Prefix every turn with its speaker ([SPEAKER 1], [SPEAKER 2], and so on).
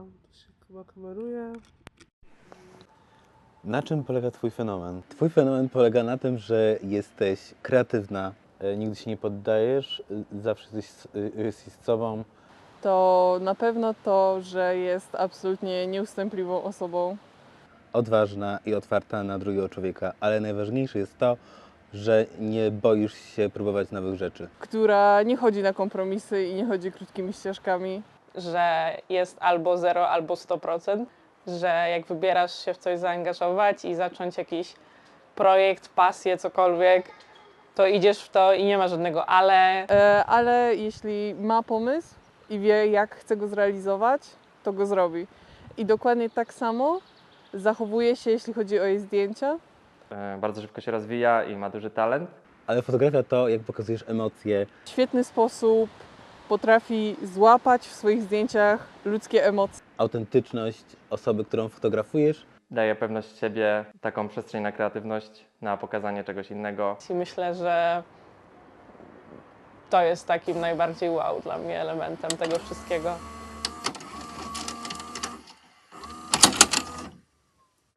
[SPEAKER 1] To się chyba kameruje.
[SPEAKER 2] Na czym polega Twój fenomen? Twój fenomen polega na tym, że jesteś kreatywna, nigdy się nie poddajesz, zawsze jesteś z sobą.
[SPEAKER 1] To na pewno to, że jest absolutnie nieustępliwą osobą.
[SPEAKER 2] Odważna i otwarta na drugiego człowieka, ale najważniejsze jest to, że nie boisz się próbować nowych rzeczy.
[SPEAKER 1] Która nie chodzi na kompromisy i nie chodzi krótkimi ścieżkami.
[SPEAKER 3] Że jest albo 0, albo 100%, że jak wybierasz się w coś zaangażować i zacząć jakiś projekt, pasję, cokolwiek, to idziesz w to i nie ma żadnego ale.
[SPEAKER 1] Ale jeśli ma pomysł i wie, jak chce go zrealizować, to go zrobi. I dokładnie tak samo zachowuje się, jeśli chodzi o jej zdjęcia.
[SPEAKER 4] Bardzo szybko się rozwija i ma duży talent.
[SPEAKER 2] Ale fotografia to, jak pokazujesz emocje.
[SPEAKER 1] W świetny sposób potrafi złapać w swoich zdjęciach ludzkie emocje.
[SPEAKER 2] Autentyczność osoby, którą fotografujesz.
[SPEAKER 4] Daje pewność siebie, taką przestrzeń na kreatywność, na pokazanie czegoś innego.
[SPEAKER 3] I myślę, że to jest takim najbardziej wow dla mnie elementem tego wszystkiego.